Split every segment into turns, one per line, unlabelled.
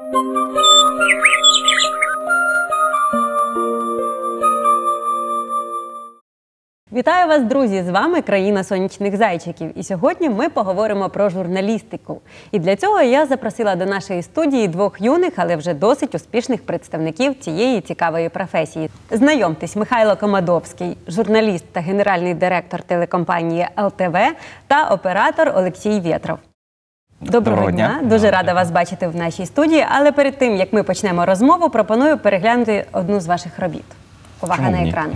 Вітаю вас, друзі! З вами «Країна сонячних зайчиків». І сьогодні ми поговоримо про журналістику. І для цього я запросила до нашої студії двох юних, але вже досить успішних представників цієї цікавої професії. Знайомтесь, Михайло Комадовський, журналіст та генеральний директор телекомпанії ЛТВ, та оператор Олексій Вєтров. Доброго дня! Дуже рада вас бачити в нашій студії. Але перед тим, як ми почнемо розмову, пропоную переглянути одну з ваших робіт. Увага на екран.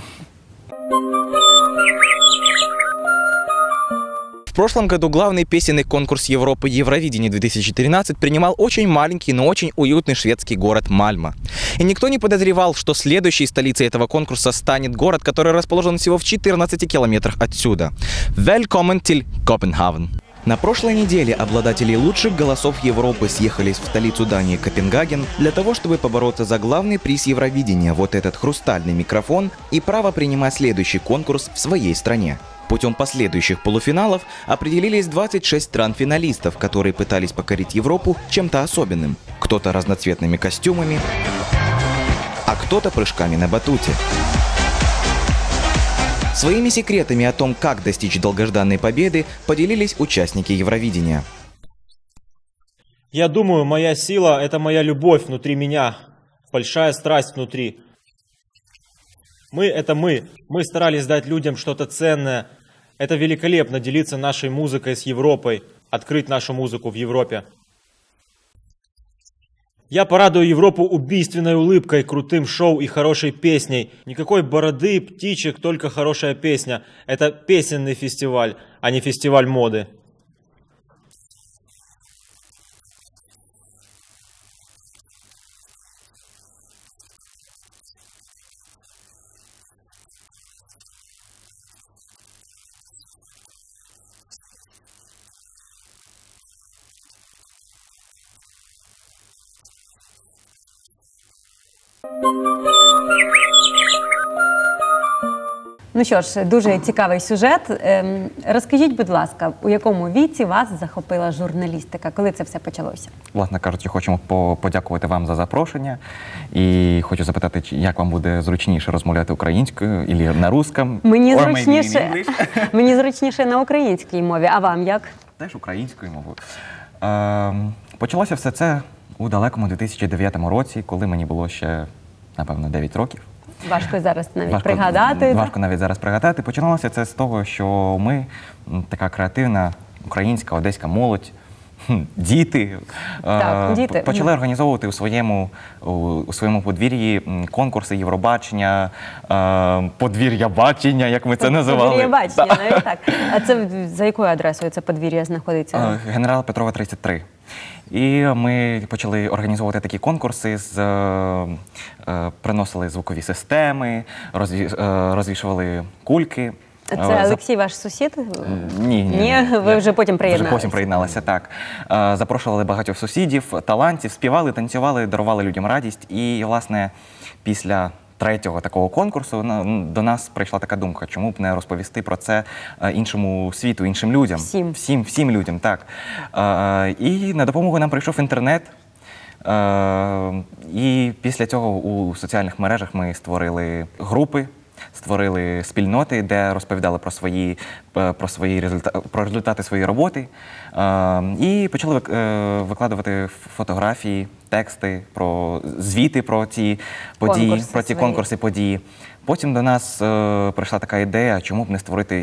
В прошлом году главный песенный конкурс Европы Евровидение 2013 принимал очень маленький, но очень уютный шведский город Мальмö. И никто не подозревал, что следующей столицей этого конкурса станет город, который расположен всего в 14 километрах отсюда. Welcome to Copenhagen. На прошлой неделе обладатели лучших голосов Европы съехались в столицу Дании Копенгаген для того, чтобы побороться за главный приз Евровидения, вот этот хрустальный микрофон, и право принимать следующий конкурс в своей стране. Путем последующих полуфиналов определились 26 стран-финалистов, которые пытались покорить Европу чем-то особенным. Кто-то разноцветными костюмами, а кто-то прыжками на батуте. Своими секретами о том, как достичь долгожданной победы, поделились участники Евровидения.
Я думаю, моя сила – это моя любовь внутри меня, большая страсть внутри. Мы – это мы. Мы старались дать людям что-то ценное. Это великолепно делиться нашей музыкой с Европой, открыть нашу музыку в Европе. Я порадую Европу убийственной улыбкой, крутым шоу и хорошей песней. Никакой бороды, птичек, только хорошая песня. Это песенный фестиваль, а не фестиваль моды.
Ну що ж, дуже цікавий сюжет. Розкажіть, будь ласка, у якому віці вас захопила журналістика? Коли це все почалося?
Власне кажучи, хочемо подякувати вам за запрошення. І хочу запитати, як вам буде зручніше розмовляти українською або на русском?
Мені зручніше на українській мові. А вам як?
Теж українською мовою. Почалося все це у далекому 2009 році, коли мені було ще, напевно, 9 років.
Важко зараз навіть пригадати.
Важко навіть зараз пригадати. Починалося це з того, що ми, така креативна українська, одеська молодь, діти, почали організовувати у своєму подвір'ї конкурси Євробачення, подвір'я бачення, як ми це називали.
Подвір'я бачення, навіть так. А це за якою адресою це подвір'я знаходиться?
Генерала Петрова, 33. І ми почали організовувати такі конкурси, приносили звукові системи, розвішували кульки.
Це Олексій ваш сусід?
Ні.
Ви вже потім приєдналися?
Вже потім приєдналися, так. Запрошували багатьох сусідів, талантів, співали, танцювали, дарували людям радість. І, власне, після третього такого конкурсу до нас прийшла така думка, чому б не розповісти про це іншому світу, іншим людям. Всім людям, так. І на допомогу нам прийшов інтернет. І після цього у соціальних мережах ми створили групи, створили спільноти, де розповідали про результати своєї роботи. І почали викладувати фотографії, тексти, звіти про ці події, про ці конкурси, події. Потім до нас прийшла така ідея, чому б не створити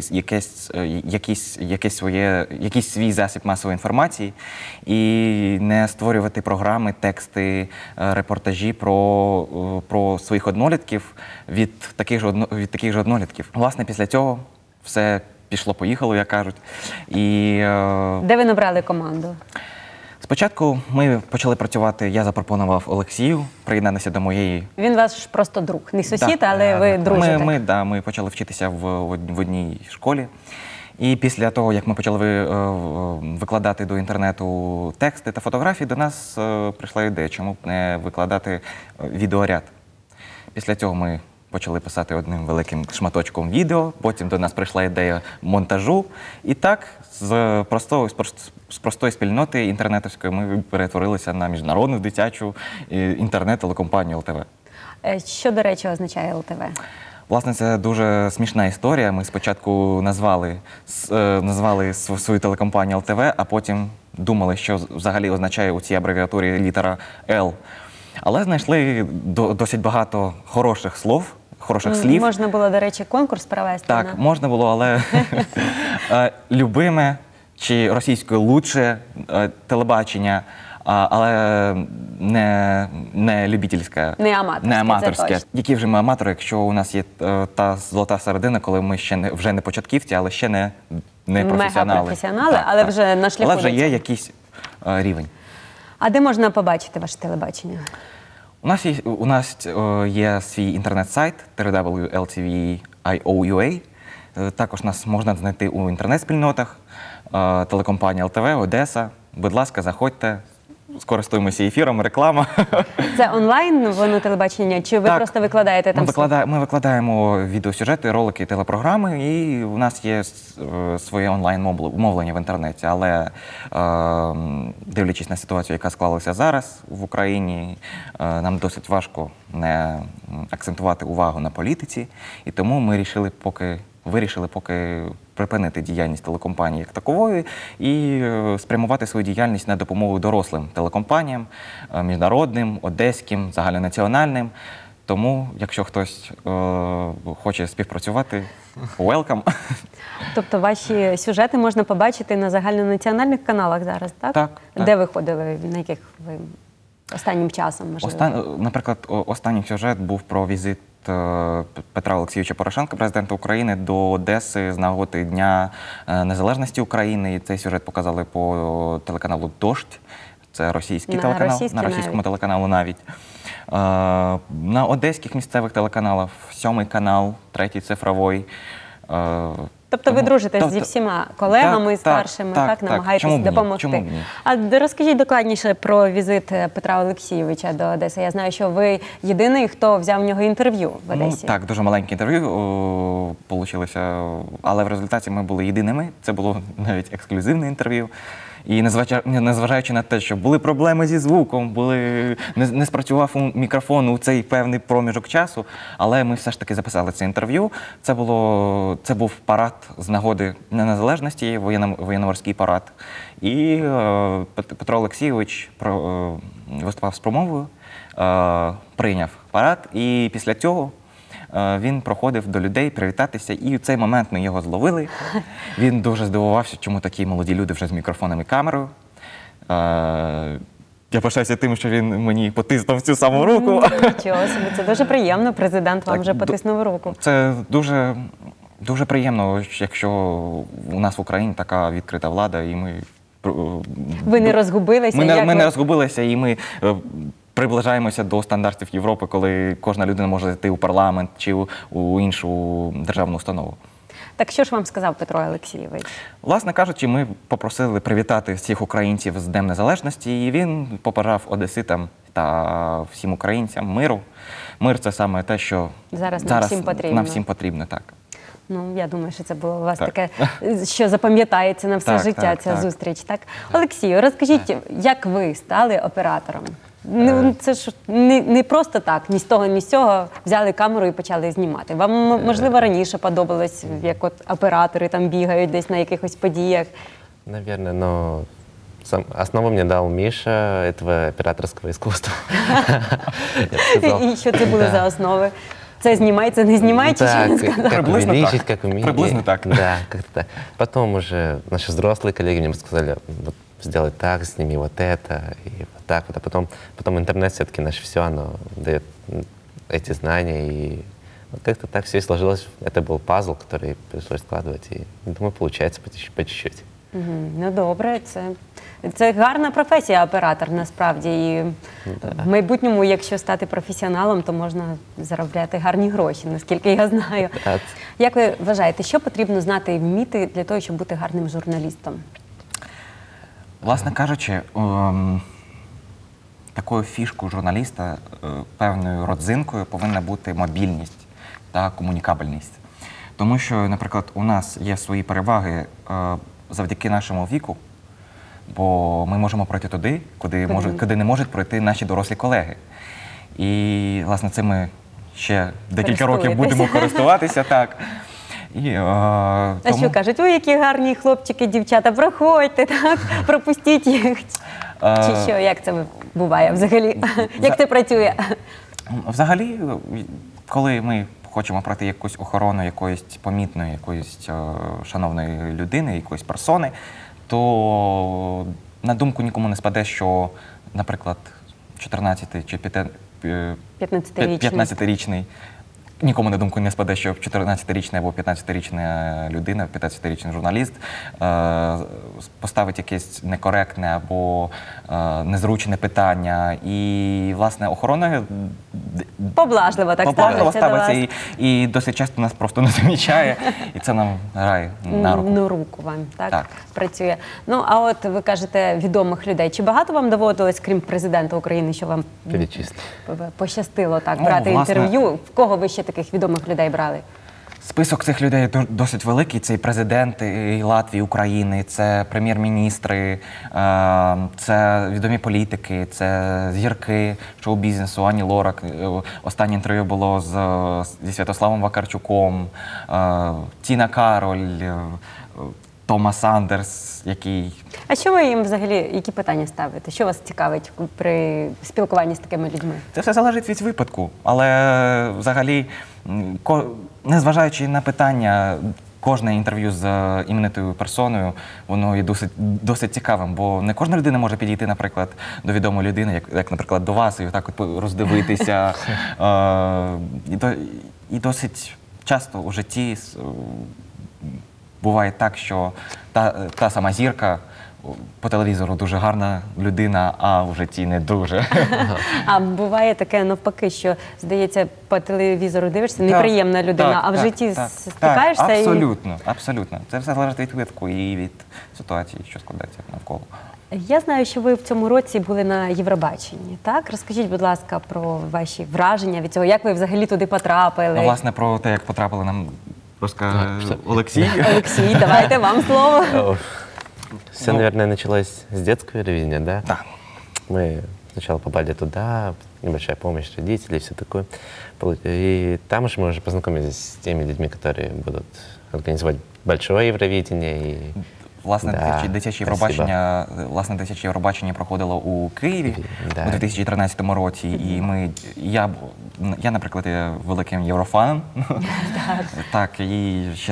якийсь свій засіб масової інформації і не створювати програми, тексти, репортажі про своїх однолітків від таких же однолітків. Власне, після цього все пішло-поїхало, як кажуть.
Де ви набрали команду?
Спочатку ми почали працювати, я запропонував Олексію приєднатися до моєї...
Він ваш просто друг, не сусід, але ви дружите.
Ми почали вчитися в одній школі. І після того, як ми почали викладати до інтернету тексти та фотографії, до нас прийшла ідея, чому б не викладати відеоряд. Після цього ми почали писати одним великим шматочком відео, потім до нас прийшла ідея монтажу. І так, з простої спільноти інтернетовської ми перетворилися на міжнародну дитячу інтернет-телекомпанію ЛТВ.
Що, до речі, означає ЛТВ?
Власне, це дуже смішна історія. Ми спочатку назвали свою телекомпанію ЛТВ, а потім думали, що взагалі означає у цій абревіатурі літера Л. Але знайшли досить багато хороших слів.
Можна було, до речі, конкурс провести.
Так, можна було, але любиме чи російською лучше телебачення, але не любительське,
Не аматорське, це точно.
Які вже ми аматори, якщо у нас є та золота середина, коли ми ще вже не початківці, але ще не професіонали.
Мега-професіонали, але вже на шляху.
Але вже є якийсь рівень.
А де можна побачити ваше телебачення?
У нас є свій інтернет-сайт www.ltv.io.ua. Також нас можна знайти у інтернет-спільнотах, телекомпанія ЛТВ, Одеса. Будь ласка, заходьте, скористуємося ефіром, реклама.
Це онлайн воно телебачення, чи ви просто викладаєте там?
Ми викладаємо відеосюжети, ролики, телепрограми, і у нас є своє онлайн-мовлення в інтернеті. Але дивлячись на ситуацію, яка склалася зараз в Україні, нам досить важко не акцентувати увагу на політиці, і тому ми вирішили поки припинити діяльність телекомпанії як такової і спрямувати свою діяльність на допомогу дорослим телекомпаніям, міжнародним, одеським, загальнонаціональним. Тому, якщо хтось хоче співпрацювати, welcome.
Тобто ваші сюжети можна побачити на загальнонаціональних каналах зараз, так?
Так.
Де ви ходили, на яких ви останнім часом, можливо?
Наприклад, останній сюжет був про візит Петра Олексійовича Порошенка, президента України, до Одеси з нагоди Дня Незалежності України. І цей сюжет показали по телеканалу «Дождь». Це російський телеканал, на російському телеканалу навіть. На одеських місцевих телеканалах, 7-й канал, 3-й цифровий.
Тобто ви дружите зі всіма колегами старшими, так, намагаєтесь допомогти.
Чому б ні?
А розкажіть докладніше про візит Петра Олексійовича до Одеси. Я знаю, що ви єдиний, хто взяв в нього інтерв'ю в Одесі.
Так, дуже маленьке інтерв'ю вийшло, але в результаті ми були єдиними. Це було навіть ексклюзивне інтерв'ю. І незважаючи на те, що були проблеми зі звуком, не спрацював мікрофон у цей певний проміжок часу, але ми все ж таки записали це інтерв'ю. Це був парад з нагоди Дня Незалежності, воєнно-морський парад. І Петро Олексійович виступав з промовою, прийняв парад, і після цього він проходив до людей привітатися, і в цей момент ми його зловили. Він дуже здивувався, чому такі молоді люди вже з мікрофоном і камерою. Я пишаюся тим, що він мені потиснув цю саму руку.
Нічого собі, це дуже приємно, президент вам вже потиснув руку.
Це дуже приємно, якщо у нас в Україні така відкрита влада, і ми...
Ви не розгубилися?
Ми не розгубилися, і ми... приближаємося до стандартів Європи, коли кожна людина може йти у парламент чи у іншу державну установу.
Так що ж вам сказав Петро Олексійович?
Власне кажучи, ми попросили привітати всіх українців з Днем Незалежності, і він побажав одеситам та всім українцям миру. Мир – це саме те, що зараз нам всім потрібно. Так.
Ну, я думаю, що це було у вас таке, що запам'ятається на все життя, ця зустріч. Так? Олексію, розкажіть, як ви стали оператором? Це ж не просто так, ні з того, ні з цього взяли камеру і почали знімати. Вам, можливо, раніше подобалось, як от оператори там бігають десь на якихось подіях?
Наверное, но основу мне дал Миша этого операторского искусства.
І що це були за основи? Це знімай, це не знімай, чи що він сказав?
Как увеличить, как уметь.
Приблизно так.
Да, как-то так. Потом уже наши взрослые коллеги мне сказали, вот сделай так, сними вот это, и вот так вот. А потом интернет все-таки наше все, оно дает эти знания, и вот как-то так все и сложилось. Это был пазл, который пришлось складывать, и думаю, получается по чуть-чуть.
Ну добре, це гарна професія оператор насправді. І в майбутньому, якщо стати професіоналом, то можна заробляти гарні гроші, наскільки я знаю. Як ви вважаєте, що потрібно знати і вміти для того, щоб бути гарним журналістом?
Власне кажучи, такою фішкою журналіста, певною родзинкою повинна бути мобільність. та комунікабельність. Тому що, наприклад, у нас є свої переваги завдяки нашому віку, бо ми можемо пройти туди, куди не можуть пройти наші дорослі колеги. І, власне, цим ми ще декілька років будемо користуватися. Так. І,
А що кажуть, ой, які гарні хлопчики, дівчата, проходьте, так, пропустіть їх. Чи що, як це буває взагалі? Як це працює?
Взагалі, коли ми хочемо пройти якусь охорону якоїсь помітної, якоїсь шановної людини, якоїсь персони, то на думку нікому не спаде, що, наприклад, 14 чи 15-річний, нікому на думку не спаде, що 14-річна або 15-річна людина, 15-річний журналіст поставить якесь некоректне або незручне питання. І, власне, охорона
Поблажливо так ставиться до вас.
І досить часто нас просто не замічає, і це нам грає на руку.
На руку вам, так, працює. Ну, а от ви кажете, відомих людей. Чи багато вам доводилось, крім президента України, що вам пощастило так брати інтерв'ю? В кого ви ще таких відомих людей брали?
Список цих людей досить великий. Це і президенти і Латвії, України, це прем'єр-міністри, це відомі політики, це зірки шоу-бізнесу, Ані Лорак. Останнє інтерв'ю було зі Святославом Вакарчуком, Тіна Кароль, Томас Андерс, який...
А що ви їм взагалі, які питання ставите? Що вас цікавить при спілкуванні з такими людьми?
Це все залежить від випадку, але взагалі, незважаючи на питання, кожне інтерв'ю з іменитою персоною, воно є досить цікавим, бо не кожна людина може підійти, наприклад, до відомої людини, як наприклад, до вас, і отак от роздивитися. І досить часто у житті буває так, що та сама зірка по телевізору дуже гарна людина, а в житті не дуже.
А буває таке навпаки, що, здається, по телевізору дивишся, неприємна людина, а в житті стикаєшся?
Абсолютно, абсолютно. Це все залежить від випадку і від ситуації, що складається навколо.
Я знаю, що ви в цьому році були на Євробаченні, так? Розкажіть, будь ласка, про ваші враження від цього, як ви взагалі туди потрапили?
Ну, власне, про те, як потрапили, нам розкаже Олексій.
Олексій, давайте вам слово.
Все, наверное, началось с детского Евровидения, да?
Да.
Мы сначала попали туда, небольшая помощь родителей, все такое. И там уж мы уже познакомились с теми людьми, которые будут организовать большое Евровидение. И...
Власне, дитяче Євробачення проходило у Києві у 2013 році, і я, наприклад, є великим єврофаном. Так, і ще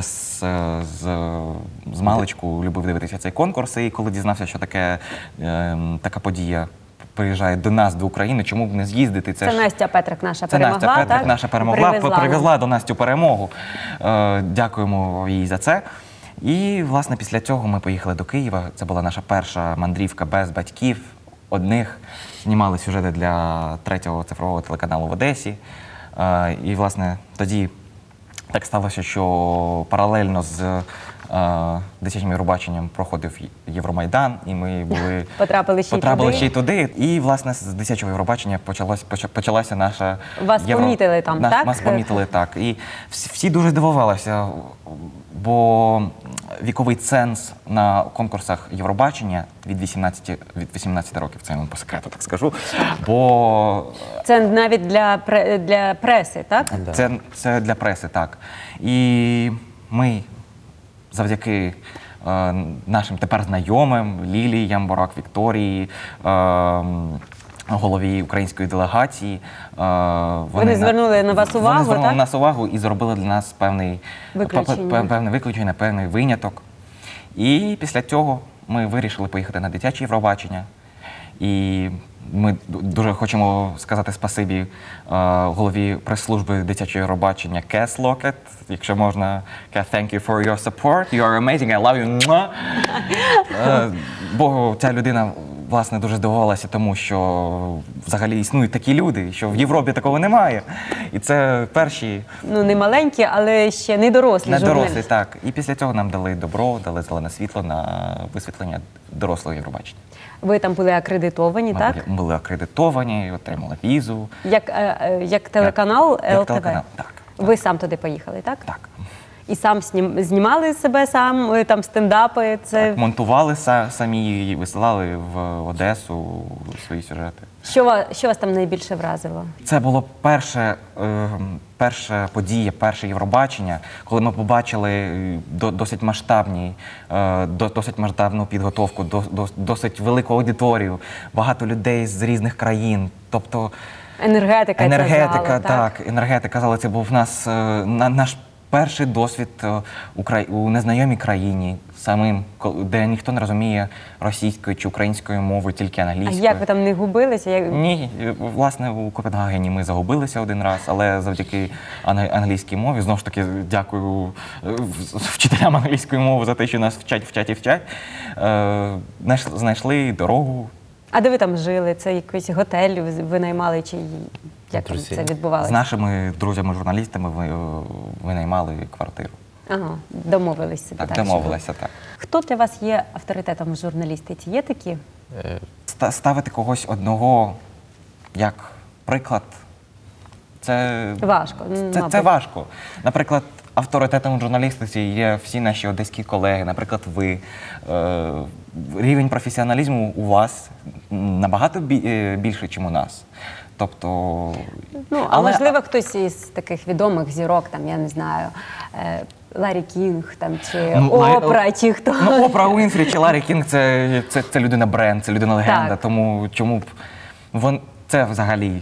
з маличку любив дивитися цей конкурс, і коли дізнався, що така подія приїжджає до нас, до України, чому б не з'їздити?
Це Настя Петрик наша перемогла,
Це Настя Петрик наша перемогла, привезла до нас цю перемогу. Дякуємо їй за це. І, власне, після цього ми поїхали до Києва. Це була наша перша мандрівка без батьків, одних. Знімали сюжети для 3-го цифрового телеканалу в Одесі. І, власне, тоді так сталося, що паралельно з дитячим Євробаченням проходив Євромайдан, і ми потрапили ще й туди. І, власне, з дитячого Євробачення почалася наша...
Вас помітили там, так?
Нас помітили, так. І всі дуже здивувалися, бо віковий ценз на конкурсах Євробачення від 18 років, це я вам по секрету так скажу, бо...
Це навіть для преси, так?
Це для преси, так. І ми завдяки нашим тепер знайомим, Лілії Ямборак, Вікторії, голові української делегації.
Вони звернули на вас увагу, так?
Вони звернули на нас увагу і зробили для нас певне виключення, певний виняток. І після цього ми вирішили поїхати на дитяче Євробачення. І ми дуже хочемо сказати спасибі голові прес-служби дитячого Євробачення Кес Локет. Якщо можна, Кес, thank you for your support. You are amazing, I love you. Бо ця людина, власне, дуже здивувалася тому, що взагалі існують такі люди, що в Європі такого немає. І це перші...
Ну, не маленькі, але ще не дорослі журналісти.
Не дорослі, так. І після цього нам дали добро, дали зелене світло на висвітлення дорослого Євробачення.
Ви там були акредитовані, так?
Ми були акредитовані, отримали візу.
Як телеканал ЛТВ?
Так.
Ви сам туди поїхали, так?
Так.
І сам знімали себе сам, там стендапи. Це
Так, монтували самі і висилали в Одесу свої сюжети.
що вас там найбільше вразило?
Це було перша подія, перше Євробачення, коли ми побачили досить масштабну підготовку, досить велику аудиторію, багато людей з різних країн. Тобто
Енергетика, ця зала,
так, енергетика зала. Це був наш перший досвід у незнайомій країні, де ніхто не розуміє російської чи української мови, тільки
А
англійської.
як ви там не губилися?
Ні, власне, у Копенгагені ми загубилися один раз, але завдяки англійській мові, знову ж таки, дякую вчителям англійської мови за те, що нас вчать, знайшли дорогу.
А де ви там жили? Це якийсь готель ви наймали, чи як там
Друзі.
це відбувалося?
З нашими друзями-журналістами винаймали квартиру.
Ага, домовились собі.
Так,
що
домовилися, так.
Хто для вас є авторитетом в журналістиці? Є такі?
Ставити когось одного як приклад, це
Важко.
Це
мабуть.
важко. Наприклад, авторитетом у журналістиці є всі наші одеські колеги, наприклад, ви. Рівень професіоналізму у вас набагато більший, ніж у нас. Тобто,
А можливо, хтось із таких відомих зірок, там, я не знаю, Ларі Кінг, там, чи Опра, чи хто.
Опра Уінфрі чи Ларі Кінг – це людина-бренд, це людина-легенда.
Так.
Тому чому б це взагалі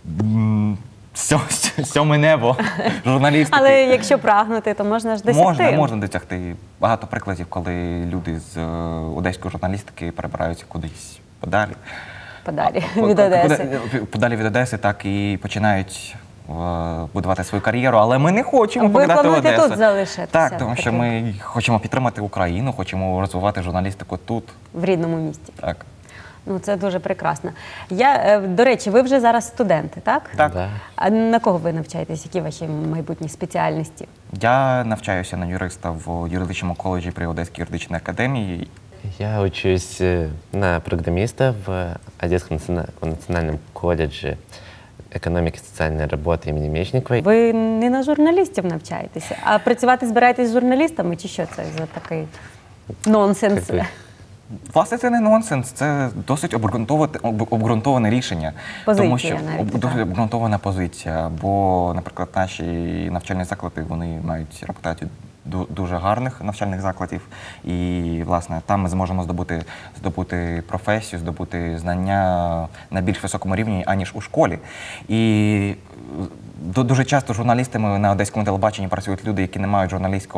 сьоме небо журналістики.
Але якщо прагнути, то можна ж досягти.
Можна досягти. Багато прикладів, коли люди з одеської журналістики перебираються кудись подалі.
Подалі від Одеси.
Подалі від Одеси, так і починають будувати свою кар'єру, але ми не хочемо
Ви
покидати
плануєте
Одесу.
тут залишитися?
Так, тому що ми хочемо підтримати Україну, хочемо розвивати журналістику тут.
В рідному місті.
Так.
Ну, це дуже прекрасно. До речі, ви вже зараз студенти, так?
Так.
Да.
А на кого ви навчаєтесь? Які ваші майбутні спеціальності?
Я навчаюся на юриста в юридичному коледжі при Одеській юридичній академії.
Я учусь на программиста в Одесском национальном колледже экономики и социальной работы имени Мечникова.
Ви не на журналістів навчаєтеся, а працювати збираєтесь з журналістами, чи що це за такий нонсенс?
Как бы,
Власне, це не нонсенс, це досить обґрунтоване рішення.
Позиція
тому що
навіть,
досить
так.
обґрунтована позиція. Бо, наприклад, наші навчальні заклади, вони мають репутацію дуже гарних навчальних закладів. І, власне, там ми зможемо здобути професію, здобути знання на більш високому рівні, аніж у школі. І дуже часто журналістами на одеському телебаченні працюють люди, які не мають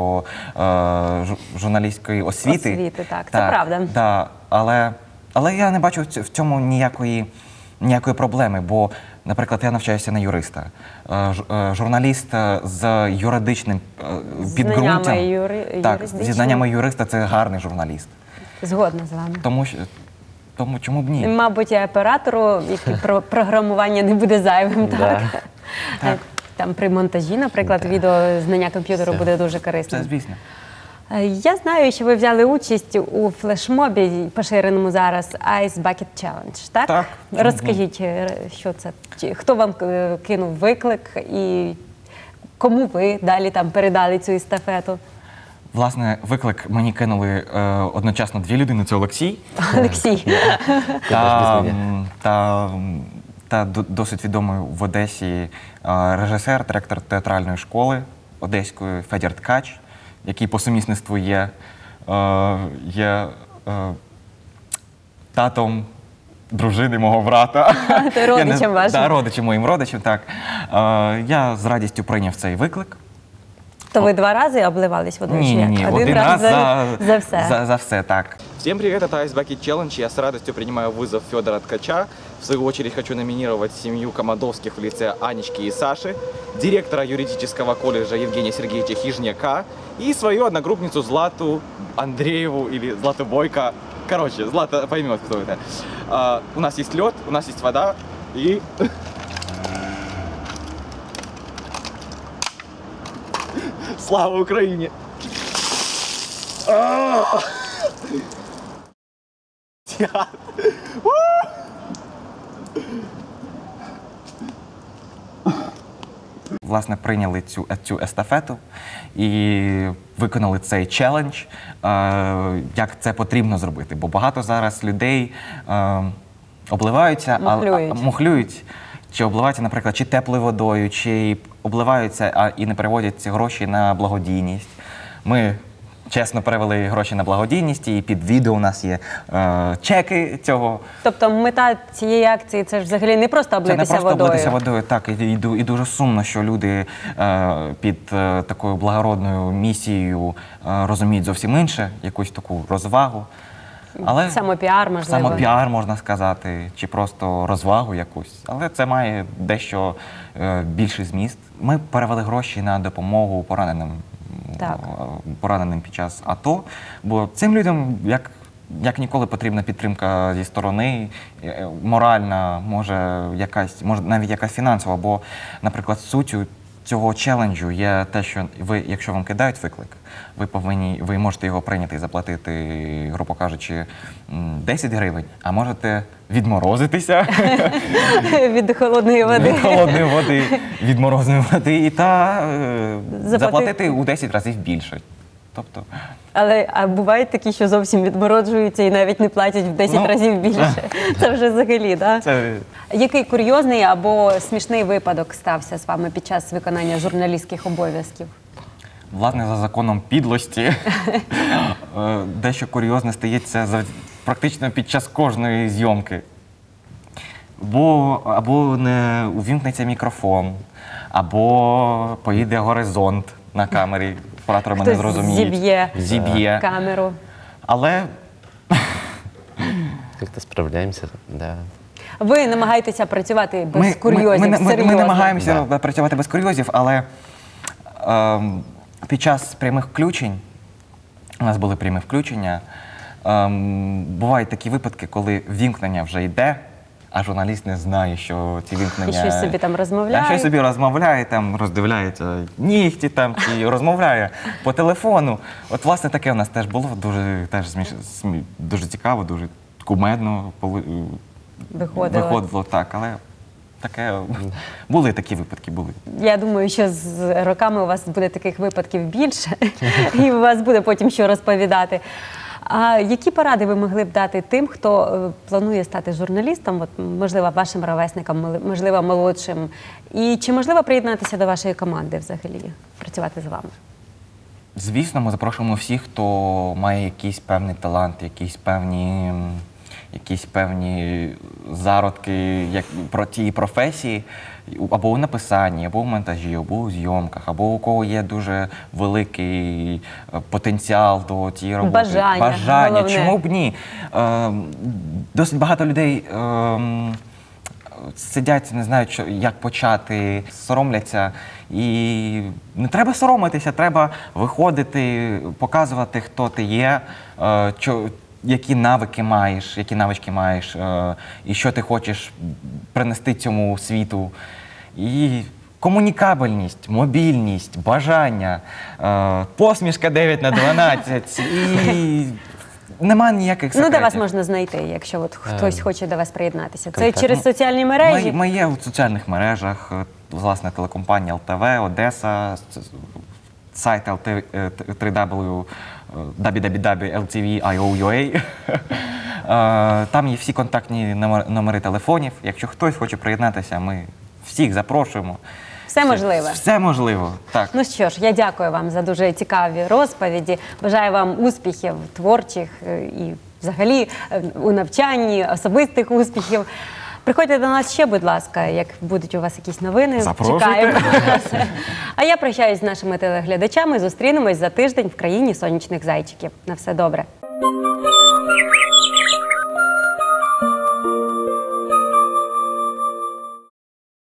журналістської освіти.
Освіти, так, це правда.
Да, але я не бачу в цьому ніякої проблеми, бо, наприклад, я навчаюся на юриста. Журналіст з юридичним підґрунтям, зі знаннями юриста – це гарний журналіст.
Згодна з вами.
Тому чому б ні?
Мабуть, і оператору, який програмування не буде зайвим, так?
Так.
Там при монтажі, наприклад, відео знання комп'ютеру
Все.
буде дуже
Це
корисним.
звісно.
Я знаю, що ви взяли участь у флешмобі, поширеному зараз, Ice Bucket Challenge, так?
Так.
Розкажіть, що це? Хто вам кинув виклик і кому ви далі там передали цю естафету?
Власне, виклик мені кинули одночасно дві людини – це Олексій
Олексій.
та досить відомий в Одесі режисер, директор театральної школи одеської Федір Ткач, який по сумісництву є татом дружини мого брата.
Ти родичем вашим.
Так, родичем, моїм родичем, так. Я з радістю прийняв цей виклик.
То ви два рази обливались водою? чи як?
Ні,
Один раз за все.
За все, так.
Всем привет, это Ice Bucket Challenge. Я с радостью принимаю вызов Федора Ткача. В свою очередь хочу номинировать семью Комадовских в лице Анечки и Саши, директора юридического колледжа Евгения Сергеевича Хижняка и свою одногруппницу Злату Андрееву или Злату Бойко. Короче, Злата поймет, кто это. У нас есть лед, у нас есть вода и... Слава Украине!
власне, прийняли цю естафету і виконали цей челендж, як це потрібно зробити. Бо багато зараз людей обливаються, мухлюють, чи обливаються, наприклад, чи теплою водою, чи обливаються і не переводять ці гроші на благодійність. Ми чесно перевели гроші на благодійність, і під відео у нас є чеки цього.
Тобто мета цієї акції – це ж взагалі не просто облитися водою?
Це не просто облитися водою, так. І дуже сумно, що люди під такою благородною місією розуміють зовсім інше, якусь таку розвагу. Але
самопіар, можливо.
Самопіар, можна сказати, чи просто розвагу якусь. Але це має дещо більший зміст. Ми перевели гроші на допомогу пораненим під час АТО, бо цим людям, як ніколи, потрібна підтримка зі сторони, моральна, може навіть якась фінансова, бо, наприклад, суттю цього челенджу є те, що ви, якщо вам кидають виклик, ви можете його прийняти і заплатити, грубо кажучи, 10 гривень, а можете відморозитися
від холодної води.
Від холодної води, від морозної води, та заплатити у 10 разів більше. Тобто...
А бувають такі, що зовсім відмороджуються і навіть не платять в 10 разів більше. Це вже взагалі, так? Який курйозний або смішний випадок стався з вами під час виконання журналістських обов'язків?
Власне, за законом підлості дещо курйозне стається практично під час кожної зйомки. Або не увімкнеться мікрофон, або поїде горизонт на камері. Оператори мене зрозуміють.
Зіб'є камеру.
Але...
Как-то справляємося, да.
Ви намагаєтеся працювати без курйозів, серйозно?
Ми намагаємося працювати без курйозів, але під час прямих включень, у нас були прямі включення, бувають такі випадки, коли вімкнення вже йде, а журналіст не знає, що ці вимкнення...
І щось собі там розмовляє.
Щось собі розмовляє, там роздивляється нігті, там, чи розмовляє по телефону. От, власне, таке у нас теж було, дуже цікаво, дуже кумедно виходило, так, але таке... Були такі випадки, були.
Я думаю, що з роками у вас буде таких випадків більше, і у вас буде потім що розповідати. А які поради ви могли б дати тим, хто планує стати журналістом, можливо, вашим ровесникам, можливо, молодшим? І чи можливо приєднатися до вашої команди взагалі, працювати з вами?
Звісно, ми запрошуємо всіх, хто має якийсь певний талант, якісь певні зародки про ті професії, або у написанні, або у монтажі, або у зйомках, або у кого є дуже великий потенціал до цієї роботи.
Бажання.
Чому б ні? Досить багато людей сидять, не знають, як почати, соромляться. І не треба соромитися, треба виходити, показувати, хто ти є, які навички маєш, і що ти хочеш принести цьому світу. І комунікабельність, мобільність, бажання, посмішка 9/12. І нема ніяких секретів.
Де вас можна знайти, якщо хтось хоче до вас приєднатися? Це через соціальні мережі?
Ми є в соціальних мережах, власне, телекомпанія ЛТВ, Одеса, сайт www.ltv.io.ua. Там є всі контактні номери телефонів. Якщо хтось хоче приєднатися, ми всіх запрошуємо.
Все можливо?
Все можливо, так.
Ну що ж, я дякую вам за дуже цікаві розповіді. Бажаю вам успіхів творчих і взагалі у навчанні, особистих успіхів. Приходьте до нас ще, будь ласка, як будуть у вас якісь новини.
Запрошуйте.
Чекаємо. А я прощаюсь з нашими телеглядачами. Зустрінемось за тиждень в країні сонячних зайчиків. На все добре.